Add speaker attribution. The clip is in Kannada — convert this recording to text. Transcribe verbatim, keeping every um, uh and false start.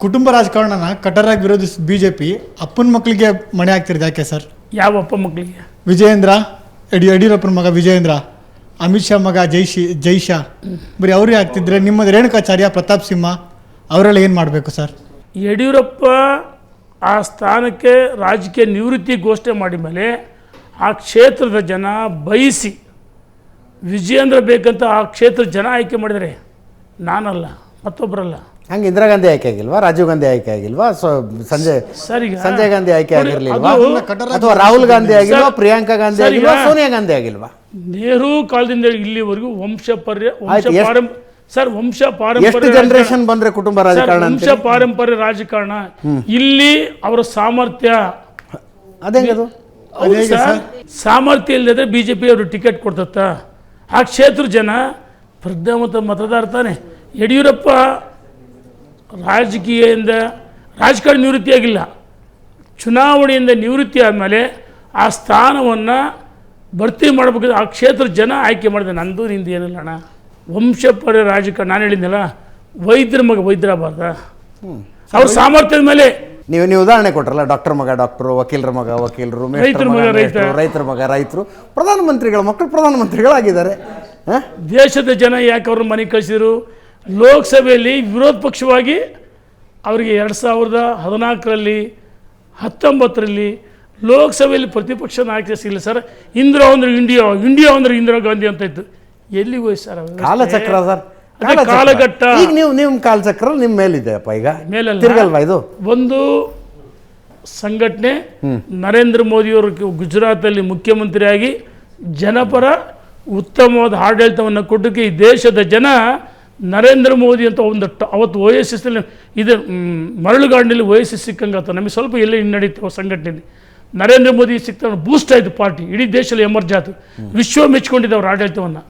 Speaker 1: ಕುಟುಂಬ ರಾಜಕಾರಣನ ಕಟ್ಟರಾಗಿ ವಿರೋಧಿಸಿದ ಬಿಜೆಪಿ ಅಪ್ಪನ ಮಕ್ಕಳಿಗೆ ಮಣೆ ಆಗ್ತಿರೋದು ಯಾಕೆ ಸರ್?
Speaker 2: ಯಾವ ಅಪ್ಪ ಮಕ್ಕಳಿಗೆ?
Speaker 1: ವಿಜಯೇಂದ್ರ, ಯಡಿ ಯಡಿಯೂರಪ್ಪನ ಮಗ ವಿಜಯೇಂದ್ರ, ಅಮಿತ್ ಶಾ ಮಗ ಜೈಶಿ ಜೈಶಾ ಬರೀ ಅವರೇ ಆಗ್ತಿದ್ರೆ ನಿಮ್ಮದು ರೇಣುಕಾಚಾರ್ಯ, ಪ್ರತಾಪ್ ಸಿಂಹ ಅವರೆಲ್ಲ ಏನು ಮಾಡಬೇಕು ಸರ್?
Speaker 2: ಯಡಿಯೂರಪ್ಪ ಆ ಸ್ಥಾನಕ್ಕೆ ರಾಜಕೀಯ ನಿವೃತ್ತಿ ಘೋಷಣೆ ಮಾಡಿದ ಮೇಲೆ ಆ ಕ್ಷೇತ್ರದ ಜನ ಬಯಸಿ ವಿಜಯೇಂದ್ರ ಬೇಕಂತ ಆ ಕ್ಷೇತ್ರದ ಜನ ಆಯ್ಕೆ ಮಾಡಿದರೆ, ನಾನಲ್ಲ, ಮತ್ತೊಬ್ಬರಲ್ಲ.
Speaker 3: ಹಂಗೆ ಇಂದಿರಾ ಗಾಂಧಿ ಆಯ್ಕೆ ಆಗಿಲ್ವಾ? ರಾಜೀವ್ ಗಾಂಧಿ ಆಯ್ಕೆ ಆಗಿಲ್ವಾ? ಸೊ ಸಂಜಯ್
Speaker 2: ಸರ್ ಈಗ
Speaker 3: ಸಂಜಯ್ ಗಾಂಧಿ ಆಯ್ಕೆ ಆಗಿರ್ಲಿಲ್ವಾ?
Speaker 2: ಅದು
Speaker 3: ಅಥವಾ ರಾಹುಲ್ ಗಾಂಧಿ ಆಗಿಲ್ವಾ? ಪ್ರಿಯಾಂಕಾ ಗಾಂಧಿ ಆಗಿಲ್ವಾ? ಸೋನಿಯಾ ಗಾಂಧಿ ಆಗಿಲ್ವಾ?
Speaker 2: ನೆಹರು ಕಾಲದಿಂದ ಇಲ್ಲಿವರೆಗೂ ವಂಶ ಪರ್ಯ ವಂಶ
Speaker 3: ಆಯ್ತು, ಎಷ್ಟು-
Speaker 2: ಪಾರಂ ಸರ್ ವಂಶ
Speaker 3: ಎಷ್ಟು
Speaker 2: ಪಾರಂಪರ್ಯ
Speaker 3: ಜನರೇಷನ್ ಬಂದ್ರೆ ಕುಟುಂಬ
Speaker 2: ಸರ್,
Speaker 3: ರಾಜಕಾರಣ
Speaker 2: ವಂಶ
Speaker 3: ಅಂತೀರಿ?
Speaker 2: ಪಾರಂಪರ್ಯ ರಾಜಕಾರಣ ಇಲ್ಲಿ ಅವರ ಸಾಮರ್ಥ್ಯ
Speaker 3: ಅದೇಂಗದು?
Speaker 2: ಹೌದು ಸರ್, ಸಾಮರ್ಥ್ಯ ಇಲ್ಲದ್ರೆ ಬಿಜೆಪಿ ಅವರು ಟಿಕೆಟ್ ಕೊಡ್ತತ್ತ? ಆ ಕ್ಷೇತ್ರ ಜನ ಪ್ರಜ್ಞಾವಂತ ಮತದಾರ ತಾನೆ. ಯಡಿಯೂರಪ್ಪ ರಾಜಕೀಯದಿಂದ ರಾಜಕಾರಣ ನಿವೃತ್ತಿಯಾಗಿಲ್ಲ, ಚುನಾವಣೆಯಿಂದ ನಿವೃತ್ತಿ ಆದಮೇಲೆ ಆ ಸ್ಥಾನವನ್ನು ಭರ್ತಿ ಮಾಡಬೇಕಾದ್ರೆ ಆ ಕ್ಷೇತ್ರ ಜನ ಆಯ್ಕೆ ಮಾಡಿದೆ. ನಂದು ನಿಂದು ಏನಿಲ್ಲ ಅಣ್ಣ, ವಂಶಪರ ರಾಜಕಾರಣ. ನಾನು ಹೇಳಿದ್ನಲ್ಲ, ವೈದ್ಯರ ಮಗ ವೈದ್ಯರಾಗಬಾರ್ದ? ಅವ್ರ ಸಾಮರ್ಥ್ಯದ ಮೇಲೆ
Speaker 3: ನೀವು ನೀವು ಉದಾಹರಣೆ ಕೊಟ್ರಲ್ಲ, ಡಾಕ್ಟರ್ ಮಗ ಡಾಕ್ಟರು, ವಕೀಲರ ಮಗ ವಕೀಲರು,
Speaker 2: ರೈತರ ಮಗ ರೈತ,
Speaker 3: ರೈತರ ಮಗ ರೈತರು, ಪ್ರಧಾನಮಂತ್ರಿಗಳ ಮಕ್ಕಳು ಪ್ರಧಾನಮಂತ್ರಿಗಳಾಗಿದ್ದಾರೆ.
Speaker 2: ದೇಶದ ಜನ ಯಾಕೆ ಅವ್ರನ್ನ ಮನೆಗೆ ಕಳಿಸಿದ್ರು? ಲೋಕಸಭೆಯಲ್ಲಿ ವಿರೋಧ ಪಕ್ಷವಾಗಿ ಅವರಿಗೆ ಎರಡು ಸಾವಿರದ ಹದಿನಾಲ್ಕರಲ್ಲಿ ಹತ್ತೊಂಬತ್ತರಲ್ಲಿ ಲೋಕಸಭೆಯಲ್ಲಿ ಪ್ರತಿಪಕ್ಷ ನಾಯಕ ಸಿಗಲಿಲ್ಲ ಸರ್. ಇಂದಿರಾ ಅಂದ್ರೆ ಇಂಡಿಯಾ, ಇಂಡಿಯಾ ಅಂದ್ರೆ ಇಂದಿರಾ ಗಾಂಧಿ ಅಂತ ಇತ್ತು. ಎಲ್ಲಿಗೆ ಹೋಯ್ತು ಸರ್?
Speaker 3: ಕಾಲಚಕ್ರ ಸರ್,
Speaker 2: ಅದೇ ಕಾಲಘಟ್ಟ.
Speaker 3: ಈಗ ನೀವು ನಿಮ್ಮ ಕಾಲಚಕ್ರ ನಿಮ್ಮ ಮೇಲಿದೆಯಪ್ಪ, ಈಗ
Speaker 2: ಮೇಲಲ್ಲ,
Speaker 3: ತಿರ್ಗಲ್ವಾ ಇದು?
Speaker 2: ಒಂದು ಸಂಘಟನೆ ನರೇಂದ್ರ ಮೋದಿಯವರು ಗುಜರಾತಲ್ಲಿ ಮುಖ್ಯಮಂತ್ರಿಯಾಗಿ ಜನಪರ ಉತ್ತಮವಾದ ಆಡಳಿತವನ್ನು ಕೊಟ್ಟಕ್ಕೆ ಈ ದೇಶದ ಜನ ನರೇಂದ್ರ ಮೋದಿ ಅಂತ ಒಂದು ಅವತ್ತು ಓ ಎಸ್ ಎಸ್ ಇದು ಮರಳುಗಾಡಿನಲ್ಲಿ ಓ ಎಸ್ ಎಸ್ ಸಿಕ್ಕಂಗೆ ಆತ ನಮಗೆ ಸ್ವಲ್ಪ ಎಲ್ಲೇ ಹಿನ್ನಡೀತು ಸಂಘಟನೆಯಲ್ಲಿ. ನರೇಂದ್ರ ಮೋದಿ ಸಿಕ್ತ ಬೂಸ್ಟ್ ಆಯಿತು ಪಾರ್ಟಿ, ಇಡೀ ದೇಶದಲ್ಲಿ ಎಮರ್ಜ್ ಆಯಿತು, ವಿಶ್ವ ಮೆಚ್ಕೊಂಡಿದ್ದೆ ಅವ್ರ ಆಡಳಿತವನ್ನು.